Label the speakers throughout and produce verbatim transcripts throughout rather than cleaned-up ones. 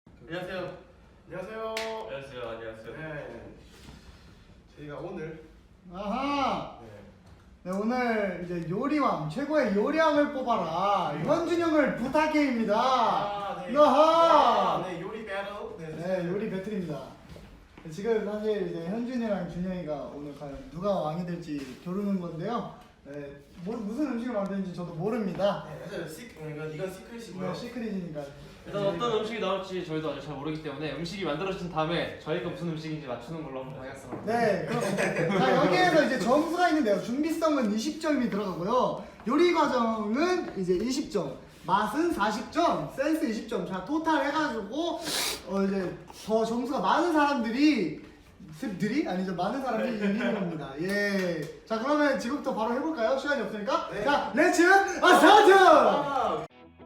Speaker 1: 안녕하세요.
Speaker 2: 안녕하세요.
Speaker 1: 안녕하세요. 안녕하세요.
Speaker 2: 네. 저희가 오늘
Speaker 3: 아하.
Speaker 2: 네.
Speaker 3: 네, 오늘 이제 요리왕 최고의 요리왕을 뽑아라 현준형을 부탁해입니다.
Speaker 2: 아, 네.
Speaker 3: 아하.
Speaker 2: 아, 네, 요리 배틀. 네.
Speaker 3: 네, 요리 배틀입니다. 지금 사실 이제 현준이랑 준영이가 오늘 과연 누가 왕이 될지 겨루는 건데요. 네, 뭐, 무슨 음식을 만드는지 저도 모릅니다.
Speaker 2: 네, 사실 시 이건 이건 시크릿이고요.
Speaker 3: 네, 시크릿이니까.
Speaker 1: 일단 어떤 음식이 나올지 저희도 아직 잘 모르기 때문에 음식이 만들어진 다음에 저희가 무슨 음식인지 맞추는 걸로 한번 하겠습니다.
Speaker 3: 네, 그럼 자 여기에서 이제 점수가 있는데요. 준비성은 이십 점이 들어가고요. 요리 과정은 이제 이십 점, 맛은 사십 점, 센스 이십 점. 자 토탈 해가지고 어 이제 더 점수가 많은 사람들이 들이 아니죠 많은 사람들이 이기는 겁니다. 예. 자 그러면 지금부터 바로 해볼까요? 시간이 없으니까.
Speaker 2: 네.
Speaker 3: 자 렛츠 아스타트!
Speaker 2: 아,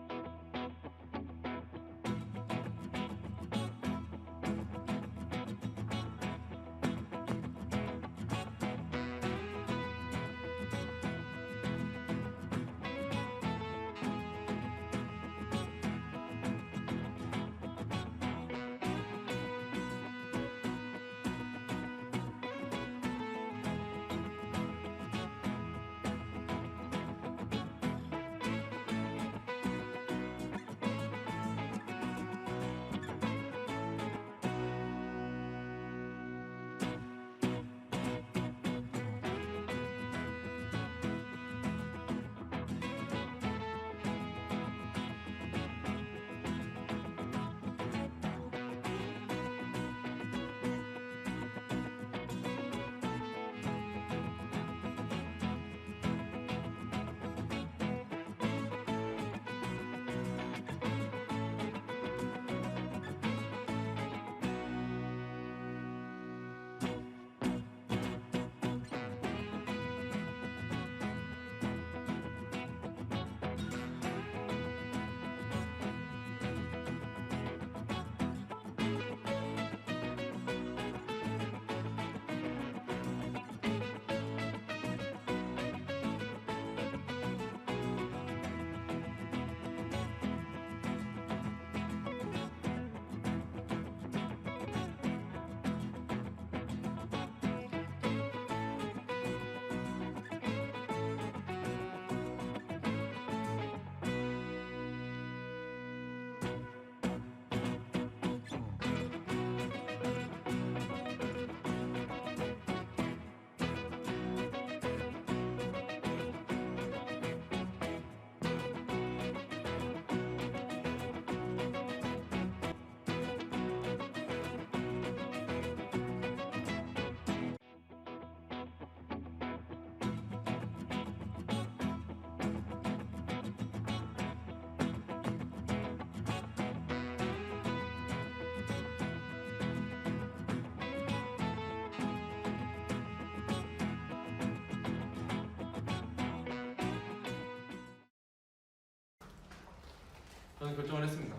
Speaker 1: 저는 결정을 했습니다.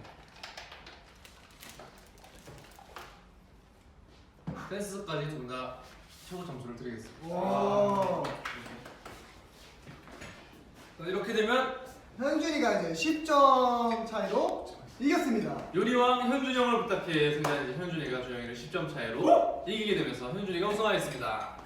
Speaker 1: 센스까지 둘 다 최고 점수를 드리겠습니다.
Speaker 3: 오.
Speaker 1: 자, 이렇게 되면
Speaker 3: 현준이가 이제 십 점 차이로 이겼습니다.
Speaker 1: 요리왕 현준형을 부탁해 승자는 이제 현준이가 준영이를 십 점 차이로 이기게 되면서 현준이가 우승하였습니다.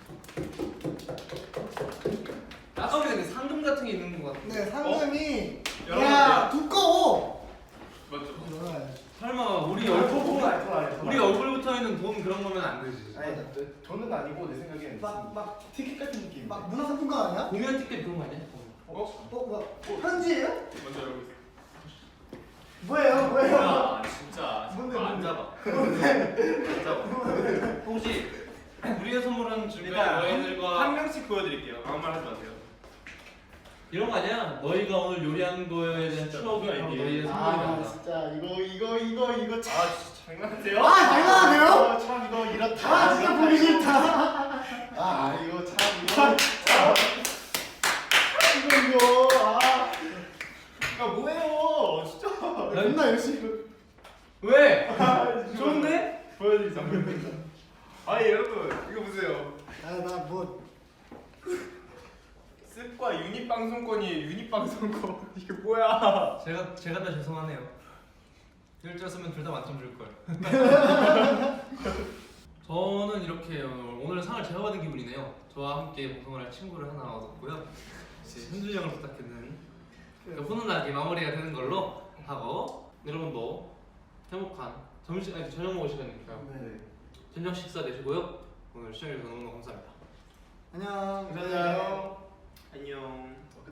Speaker 1: 아까 전에 상금 같은 게 있는 것 같은데.
Speaker 3: 네, 상금이
Speaker 1: 여러분,
Speaker 3: 야 두꺼워.
Speaker 1: 맞죠?
Speaker 3: 네.
Speaker 1: 설마 우리
Speaker 2: 아,
Speaker 1: 얼굴
Speaker 2: 저건 아니, 저건 아니, 저건
Speaker 1: 우리
Speaker 2: 아니.
Speaker 1: 얼굴부터 있는 돈 그런 거면 안 되지.
Speaker 2: 아니, 저- 저는 아니고 내 생각에는
Speaker 3: 막, 막,
Speaker 2: 티켓 같은 느낌.
Speaker 3: 막 문화상품권 아니야?
Speaker 1: 공연 티켓 그런 거 아니야?
Speaker 2: 어?
Speaker 3: 어, 뭐 편지예요?
Speaker 1: 먼저 여러분.
Speaker 3: 뭐예요, 뭐예요?
Speaker 4: 아 진짜
Speaker 3: 뭔데,
Speaker 4: 안
Speaker 3: 뭔데?
Speaker 4: 잡아.
Speaker 3: 뭔데?
Speaker 4: 안 잡아.
Speaker 1: 혹시 우리가 선물한 주변
Speaker 4: 일단 한
Speaker 1: 여행들과
Speaker 4: 명씩 보여드릴게요. 아무 말 하지 마세요.
Speaker 1: 이런 거 아니야? 너희가 오늘 요리한 거에 대한
Speaker 4: 진짜
Speaker 1: 추억이
Speaker 4: 뭔가 이게-
Speaker 1: 너희의
Speaker 3: 아
Speaker 1: 선물이란다.
Speaker 3: 진짜 이거 이거 이거 이거 참.
Speaker 4: 아 진짜 장난하세요?
Speaker 3: 아 장난하세요?
Speaker 4: 아, 참 이거 이렇다.
Speaker 3: 아 진짜 보기 싫다.
Speaker 4: 아 이거 참 이거 참
Speaker 3: 이거 이거 아
Speaker 4: 아 뭐예요? 진짜.
Speaker 3: 맨날 열심히.
Speaker 1: 왜?
Speaker 4: 아,
Speaker 1: 좋은데?
Speaker 4: 보여드리자. 아니 여러분 이거 보세요.
Speaker 3: 아나뭐
Speaker 4: 습과 유닛 방송권이 유닛 방송권 이게 뭐야?
Speaker 1: 제가 제가 다 죄송하네요. 일자였으면 둘 다 만점 줄 걸. 저는 이렇게 오늘 상을 제가 받은 기분이네요. 저와 함께 방송을 할 친구를 하나 얻었고요. 이제 현준이 형을 부탁했는 그러니까 훈훈하게 마무리가 되는 걸로 하고 여러분도 행복한 점심 아니 저녁 먹을 시간이니까
Speaker 2: 네.
Speaker 1: 저녁 식사 되시고요. 오늘 시청해주셔서 너무너무 감사합니다.
Speaker 3: 안녕.
Speaker 2: 안녕.
Speaker 4: 안녕.